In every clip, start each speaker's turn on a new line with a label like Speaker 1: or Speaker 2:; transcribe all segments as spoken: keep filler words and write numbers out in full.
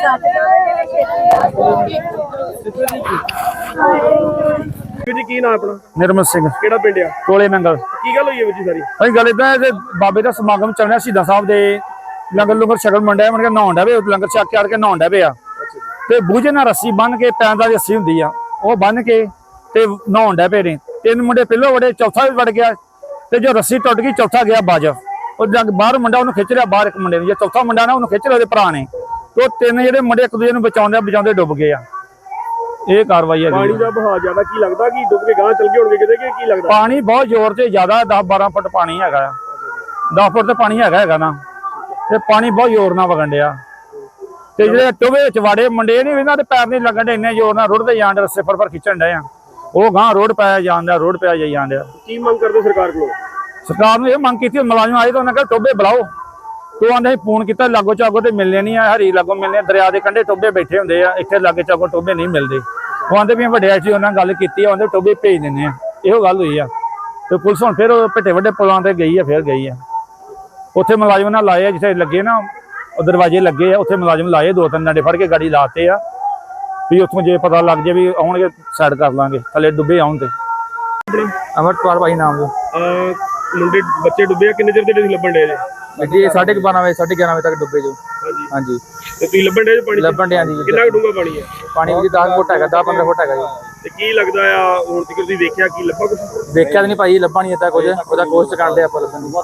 Speaker 1: ਜੀ ਕੀ ਨਾਮ ਆਪਣਾ?
Speaker 2: ਨਿਰਮਲ ਸਿੰਘ।
Speaker 1: ਕਿਹੜਾ ਪਿੰਡ ਆ?
Speaker 2: ਕੋਲੇ ਮੰਗਲ।
Speaker 1: ਕੀ ਗੱਲ ਹੋਈ ਹੈ ਵੀਰ ਜੀ ਸਾਰੀ?
Speaker 2: ਅਸੀਂ ਗੱਲ ਇਦਾਂ ਬਾਬੇ ਦਾ ਸਮਾਗਮ ਚੱਲਣਾ ਸ਼ਹੀਦਾਂ ਸਾਹਿਬ ਦੇ ਲੰਗਰ ਲੰਗਰ ਛਕਣ ਮੰਡਿਆ ਮਨ ਕੇ ਨਹਾਉਣ ਡਿਆ ਵੇ ਲੰਗਰ ਛਕ ਕੇ ਆੜ ਕੇ ਨਹਾਉਣ ਡਿਆ ਪਿਆ ਤੇ ਬੂਝੇ ਨਾਲ ਰੱਸੀ ਬੰਨ ਕੇ ਪੈਂਦਾ ਦੀ ਰੱਸੀ ਹੁੰਦੀ ਆ ਉਹ ਬੰਨ ਕੇ ਤੇ ਨਹਾਉਣ ਡਿਆ ਪਏ ਨੇ। ਤਿੰਨ ਮੁੰਡੇ ਪਹਿਲੋਂ ਵੜੇ, ਚੌਥਾ ਵੀ ਵੜ ਗਿਆ ਤੇ ਜੋ ਰੱਸੀ ਟੁੱਟ ਗਈ ਚੌਥਾ ਗਿਆ ਬਾਜ। ਉਹ ਜਦ ਬਾਹਰ ਮੁੰਡਾ ਉਹਨੂੰ ਖਿੱਚ ਰਿਹਾ ਬਾਹਰ ਇੱਕ ਮੁੰਡੇ ਨੂੰ, ਜੇ ਚੌਥਾ ਮੁੰਡਾ ਨਾ ਉਹਨੂੰ ਖਿੱਚ ਰਿਹਾ ਉਹਦੇ ਭਰਾ ਨੇ। ਤੇ ਉਹ ਤਿੰਨ ਜਿਹੜੇ ਮੁੰਡੇ ਇੱਕ ਦੂਜੇ ਨੂੰ ਬਚਾਉਂਦੇ ਬਚਾਉਂਦੇ ਡੁੱਬ ਗਏ ਆ। ਇਹ ਕਾਰਵਾਈ ਹੈ।
Speaker 1: ਪਾਣੀ ਦਾ ਬਹਾਅ ਜ਼ਿਆਦਾ ਕੀ ਲੱਗਦਾ ਕਿ ਡੁੱਬ ਕੇ ਗਾਂ ਚਲ ਗਏ ਹੋਣਗੇ ਕਿਤੇ, ਕਿ ਕੀ ਲੱਗਦਾ?
Speaker 2: ਪਾਣੀ ਬਹੁਤ ਜ਼ੋਰ ਤੇ ਜ਼ਿਆਦਾ ਦਸ ਬਾਰਾਂ ਫੁੱਟ ਪਾਣੀ ਹੈਗਾ ਆ। ਦਸ ਫੁੱਟ ਤੇ ਪਾਣੀ ਹੈਗਾ ਹੈਗਾ ਨਾ ਤੇ ਪਾਣੀ ਬਹੁਤ ਜ਼ੋਰ ਨਾਲ ਵਗਣ ਡਿਆ ਤੇ ਜਿਹੜੇ ਟੋਵੇ ਵਿੱਚ ਵਾੜੇ ਮੁੰਡੇ ਨਹੀਂ ਇਹਨਾਂ ਦੇ ਪੈਰ ਨਹੀਂ ਲੱਗਣ ਡੇ, ਇੰਨੇ ਜ਼ੋਰ ਨਾਲ ਰੁੜਦੇ ਜਾਣ ਡੇ, ਰੱਸੇ ਫੜ ਫੜ ਖਿੱਚਣ ਡੇ ਆ। ਉਹ ਗਾਂ ਰੋਡ ਪਾਇਆ ਜਾਂਦਾ, ਰੋਡ ਪਾਇਆ ਜਾਈ ਜਾਣ ਡਿਆ।
Speaker 1: ਕੀ ਮੰਗ ਕਰਦੇ ਸਰਕਾਰ ਕੋਲੋਂ?
Speaker 2: ਸਰਕਾਰ ਨੂੰ ਇਹ ਮੰਗ ਕੀਤੀ ਮੁਲਾਜ਼ਮ ਆਏ ਤਾਂ ਉਹਨਾਂ ਕਹਿੰਦੇ ਟੋਬੇ ਬੁਲਾਓ। ਤੋ ਆਂਦੇ ਫੋਨ ਕੀਤਾ ਲਾਗੋ ਚਾਗੋ ਤੇ ਮਿਲਨੇ ਨਹੀਂ ਆ, ਹਰੀ ਲਾਗੋ ਮਿਲਨੇ ਦਰਿਆ ਦੇ ਕੰਢੇ ਟੋਬੇ ਬੈਠੇ ਹੁੰਦੇ ਆ, ਇੱਥੇ ਲਾਗੇ ਚਾਗੋ ਟੋਬੇ ਨਹੀਂ ਮਿਲਦੇ। ਉਹ ਆਂਦੇ ਵੀ ਵੱਡੇ ਸੀ ਉਹਨਾਂ ਗੱਲ ਕੀਤੀ ਆ, ਉਹਦੇ ਟੋਬੇ ਭੇਜ ਦਿੰਦੇ ਆ। ਇਹੋ ਗੱਲ ਹੋਈ ਆ ਤੇ ਪੁਲਿਸ ਹੁਣ ਫਿਰ ਭੱਟੇ ਵੱਡੇ ਪੁਲਾਂ ਤੇ ਗਈ ਆ, ਫਿਰ ਗਈ ਆ ਉੱਥੇ ਮੁਲਾਜ਼ਮ ਨਾਲ ਲਾਏ ਆ ਜਿੱਥੇ ਲੱਗੇ ਨਾ ਉਹ ਦਰਵਾਜ਼ੇ ਲੱਗੇ ਆ, ਉੱਥੇ ਮੁਲਾਜ਼ਮ ਲਾਏ ਦੋ ਤਿੰਨ ਡੰਡੇ ਫੜ ਕੇ ਗਾੜੀ ਲਾਤੇ ਆ ਵੀ ਉੱਥੋਂ ਜੇ ਪਤਾ ਲੱਗ ਜੇ ਵੀ ਆਉਣਗੇ ਸਾਈਡ ਕਰ ਲਾਂਗੇ ਥੱਲੇ ਡੁੱਬੇ ਆਉਣ ਤੇ।
Speaker 3: ਅਮਰਪਾਲ ਭਾਈ ਨਾਮ ਜੋ
Speaker 1: ਮੁੰਡੇ ਬੱਚੇ ਡੁੱਬੇ ਆ, ਕਿੰਨੇ ਚਿਰ ਦੇ ਲੱਭਣ ਡੇ ਜੀ?
Speaker 3: ਜੀ ਸਾਢੇ ਬਾਰਾਂ ਵਜੇ ਸਾਢੇ ਗਿਆਰਾਂ ਵਜੇ ਤੱਕ ਡੁੱਬੇ ਜੋ।
Speaker 1: ਹਾਂਜੀ
Speaker 3: ਹਾਂਜੀ
Speaker 1: ਤੇ ਤੁਸੀਂ ਲੱਭਣ ਡੇ ਪਾਣੀ?
Speaker 3: ਲੱਭਣ ਡਿਆ ਜੀ।
Speaker 1: ਕਿੰਨਾ ਡੂੰਘਾ ਪਾਣੀ ਹੈ?
Speaker 3: ਪਾਣੀ ਵੀ ਦਸ ਫੁੱਟ ਹੈਗਾ, ਦਸ ਪੰਦਰਾਂ ਫੁੱਟ ਹੈਗਾ ਜੀ।
Speaker 1: ਤੇ ਕੀ ਲੱਗਦਾ ਆ ਹੁਣ ਤੱਕ ਤੁਸੀਂ ਦੇਖਿਆ ਕੀ ਲੱਭਾ ਕੁਝ?
Speaker 3: ਦੇਖਿਆ ਤਾਂ ਨਹੀਂ ਭਾਈ, ਲੱਭਾ ਨਹੀਂ ਇੱਦਾਂ ਕੁਝ, ਉਹਦਾ ਕੋਸ਼ਿਸ਼ ਕਰਦੇ ਆਪਾਂ ਲੱਭਣ ਦੀ।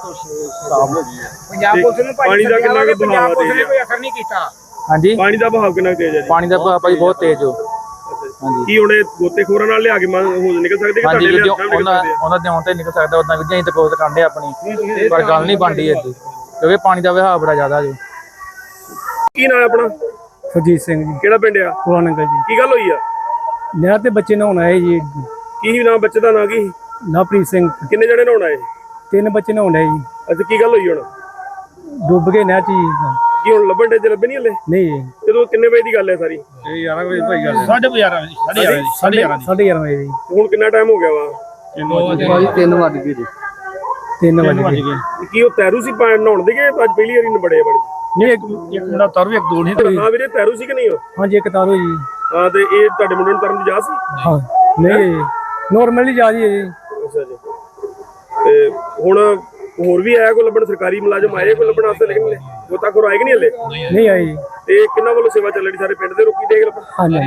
Speaker 1: ਪੰਜਾਬ ਪੁਲਿਸ ਨੂੰ ਪਾਣੀ ਦਾ ਕਿੰਨਾ ਕੁ ਬਹਾਅ ਦੇ ਰਿਹਾ?
Speaker 3: ਕੋਈ ਅਸਰ ਨਹੀਂ ਕੀਤਾ। ਹਾਂਜੀ
Speaker 1: ਪਾਣੀ ਦਾ ਬਹਾਅ ਕਿੰਨਾ ਤੇਜ਼ ਹੈ ਜੀ?
Speaker 3: ਪਾਣੀ ਦਾ ਬਹਾਅ ਭਾਈ ਬਹੁਤ ਤੇਜ਼ ਹੋ। ਹਾਂਜੀ
Speaker 1: ਕੀ ਹੁਣ ਗੋਤੇਖੋਰਾਂ ਨਾਲ ਲਿਆ ਕੇ ਹੋ ਨਿਕਲ ਸਕਦੇ ਕਿ
Speaker 3: ਹਾਂਜੀ
Speaker 1: ਤੁਹਾਡੇ
Speaker 3: ਵੀਡੀਓ ਉਹਨਾਂ ਉਹਨਾਂ ਦੇ ਆਉਣ ਤੇ ਨਿਕਲ ਸਕਦਾ, ਉਦਾਂ ਵੀ ਅਸੀਂ ਤਾਂ ਕੋਸ਼ਿਸ਼ ਕਰਦੇ ਆਪਣੀ, ਪਰ ਗੱਲ ਨਹੀਂ ਬਣਦੀ ਇੱਥੇ ਕਿਉਂਕਿ ਪਾਣੀ ਦਾ ਵਹਾਅ ਬੜਾ ਜ਼ਿਆਦਾ ਜੀ।
Speaker 1: ਕੀ ਨਾਮ ਆਪਣਾ?
Speaker 2: ਸੁਰਜੀਤ ਸਿੰਘ ਜੀ।
Speaker 1: ਕਿਹੜਾ ਪਿੰਡ ਆ?
Speaker 2: ਕੋਲਾ ਨੰਗਲ ਜੀ।
Speaker 1: ਕੀ ਗੱਲ ਹੋਈ ਆ?
Speaker 2: ਨਹਿਰ ਤੇ ਬੱਚੇ ਨਹਾਉਣ ਆਏ ਜੀ।
Speaker 1: ਕੀ ਨਾਮ ਬੱਚੇ ਦਾ ਨਾਂ ਕੀ?
Speaker 2: ਨਵਪ੍ਰੀਤ ਸਿੰਘ।
Speaker 1: ਕਿੰਨੇ ਜਣੇ ਨਹਾਉਣ ਆਏ?
Speaker 2: ਤਿੰਨ ਬੱਚੇ ਨਹਾਉਣ ਆਏ ਜੀ।
Speaker 1: ਅੱਛਾ ਕੀ ਗੱਲ ਹੋਈ ਹੁਣ?
Speaker 2: ਡੁੱਬ ਗਏ ਨਹਿਰ ਚ ਜੀ।
Speaker 1: ਕੀ ਹੁਣ ਲੱਭਣ ਡੇ ਜੇ ਲੱਭੇ ਨਹੀਂ ਹਲੇ?
Speaker 2: ਨਹੀਂ
Speaker 1: ਜਦੋਂ ਕਿੰਨੇ ਵਜੇ ਦੀ ਗੱਲ ਹੈ ਸਾਰੀ?
Speaker 2: ਇਹ ਗਿਆਰਾਂ ਵਜੇ ਭਾਈ ਗੱਲ
Speaker 3: ਸਾਢੇ ਗਿਆਰਾਂ ਵਜੇ ਸਾਢੇ ਗਿਆਰਾਂ
Speaker 2: ਸਾਢੇ ਗਿਆਰਾਂ ਵਜੇ ਜੀ।
Speaker 1: ਹੁਣ ਕਿੰਨਾ ਟਾਈਮ ਹੋ ਗਿਆ ਵਾ?
Speaker 3: ਭਾਈ ਤਿੰਨ ਵੱਜ ਗਏ ਜੀ।
Speaker 2: ਤਿੰਨ ਵਜੇ ਗਏ।
Speaker 1: ਕੀ ਉਹ ਤੈਰੂ ਸੀ ਨਹਾਉਣ ਦੇ ਗਏ ਅੱਜ ਪਹਿਲੀ ਵਾਰੀ ਨਬੜੇ ਬੜੀ?
Speaker 2: ਨਹੀਂ ਇੱਕ ਇੱਕ ਮੁੰਡਾ ਤਰੂ ਇੱਕ ਦੋ ਨਹੀਂ।
Speaker 1: ਹਾਂ ਵੀਰੇ ਤੈਰੂ ਸੀ ਕਿ ਨਹੀਂ ਉਹ?
Speaker 2: ਹਾਂਜੀ ਇੱਕ ਤਾਰੋ ਜੀ।
Speaker 1: ਹਾਂ ਤੇ ਇਹ ਤੁਹਾਡੇ ਮੁੰਡੇ ਨੂੰ ਤਰਨ ਦੀ ਜਾ ਸੀ?
Speaker 2: ਹਾਂ ਨਹੀਂ ਨੋਰਮਲੀ ਜਾ ਜੀ।
Speaker 1: ਅੱਛਾ ਜੀ। ਤੇ ਹੁਣ ਹੋਰ ਵੀ ਆਇਆ ਕੋਈ ਲੱਭਣ? ਸਰਕਾਰੀ ਮੁਲਾਜ਼ਮ ਆਏ ਕੋਈ ਲੱਭਣ ਵਾਸਤੇ ਲੇਕਿਨ ਗੋਤਾਖੋਰ ਆਏ ਕਿ ਨਹੀਂ ਹਲੇ?
Speaker 2: ਨਹੀਂ ਆਏ ਜੀ।
Speaker 1: ਤੇ ਕਿੰਨਾ ਵੱਲੋਂ ਸੇਵਾ ਚੱਲ ਰਹੀ ਸਾਰੇ ਪਿੰਡ ਦੇ ਰੋਕੀ ਦੇਖ ਲੱਭਣ?
Speaker 2: ਹਾਂਜੀ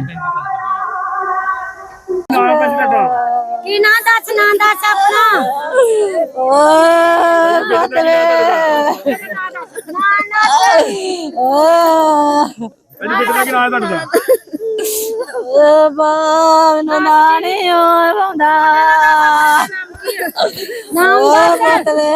Speaker 4: ਕੀ ਨਾਂ ਦੱਸ, ਨਾਂ ਦੱਸ ਆਪਣਾ। ਓ ਬਤਰੇ ਓ
Speaker 1: ਅੱਜ ਬੇਟੇ ਦਾ ਕੀ ਨਾਮ ਹੈ ਤੁਹਾਡਾ?
Speaker 4: ਓ ਬਾਨ ਨਾਣੇ ਆਉਂਦਾ ਨਾਮ ਬਤਰੇ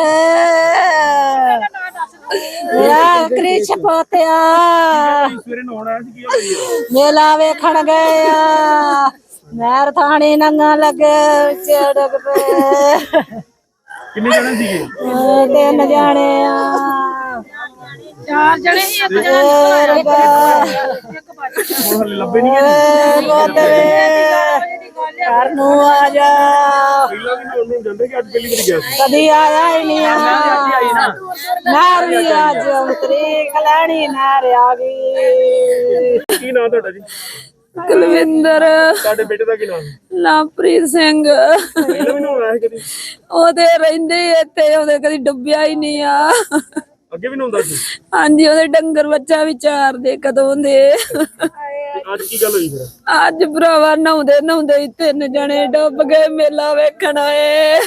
Speaker 4: ਯਾ ਕ੍ਰਿਸ਼ ਪੋਤਿਆ
Speaker 1: ਸਵੇਰੇ ਨਹਾਉਣ ਆਇਆ ਸੀ, ਕੀ ਹੋਈ ਹੈ?
Speaker 4: ਮੇਲਾ ਵੇਖਣ ਗਏ ਆ, ਨਹਿਰ ਥਾਣੀ ਨੰਗਾ ਲੱਗੇ ਚੜਕ ਪਏ।
Speaker 1: ਕਿੰਨੇ ਜਣੇ ਸੀਗੇ?
Speaker 4: ਤਿੰਨ ਜਾਣੇ ਆ, ਚਾਰ ਜਣੇ ਹੀ ਇੱਕ ਜਣਾ
Speaker 1: ਹੁਣ ਹਲੇ ਲੱਭੇ ਨਹੀਂ ਗਏ?
Speaker 4: ਘਰ ਨੂੰ ਆ ਜਾ,
Speaker 1: ਪਹਿਲਾਂ ਵੀ ਨਹਾਉਣ ਨੂੰ ਜਾਂਦੇ ਕਿ ਅੱਜ ਪਹਿਲੀ ਵਾਰੀ ਗਿਆ ਸੀ?
Speaker 4: ਕਦੀ ਆਇਆ ਹੀ ਨਹੀਂ ਆ। ਨਹਿਰ ਵੀ ਅੱਜ ਉਤਰੀ ਕਲਾਣੀ ਨਹਿਰ ਆ ਗਈ।
Speaker 1: ਕੀ ਨਾਮ ਤੁਹਾਡਾ ਜੀ?
Speaker 4: ਕੁਲਵਿੰਦਰ।
Speaker 1: ਤੁਹਾਡੇ ਬੇਟੇ ਦਾ ਕੀ ਨਾਮ ਹੈ?
Speaker 4: ਲਵਪ੍ਰੀਤ ਸਿੰਘ।
Speaker 1: ਪਹਿਲਾਂ ਵੀ ਨਹਾਉਣ ਆਇਆ ਸੀ ਕਦੀ?
Speaker 4: ਉਹਦੇ ਰਹਿੰਦੇ ਇੱਥੇ, ਉਹਦੇ ਕਦੀ ਡੁੱਬਿਆ ਹੀ ਨਹੀਂ ਆ।
Speaker 1: ਅੱਗੇ ਵੀ ਨਹਾਉਂਦਾ ਸੀ?
Speaker 4: ਹਾਂਜੀ ਉਹਦੇ ਡੰਗਰ ਬੱਚਾ ਵੀ ਚਾਰਦੇ ਕਦੋਂ ਦੇ।
Speaker 1: ਅੱਜ ਕੀ ਗੱਲ ਹੋਈ ਫਿਰ?
Speaker 4: ਅੱਜ ਭਰਾਵਾ ਨਹਾਉਂਦੇ ਨਹਾਉਂਦੇ ਹੀ ਤਿੰਨ ਜਣੇ ਡੁੱਬ ਗਏ ਮੇਲਾ ਵੇਖਣ ਆਏ।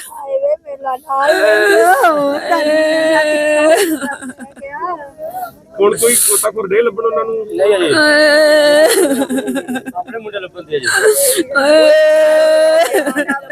Speaker 1: ਹੁਣ ਕੋਈ ਗੋਤਾਖੋਰ ਦੇ ਲੱਭਣ ਉਹਨਾਂ ਨੂੰ?
Speaker 3: ਨਹੀਂ ਅਜੇ ਆਪਣੇ ਮੁੰਡੇ ਲੱਭਣ ਦੇ ਜੀ।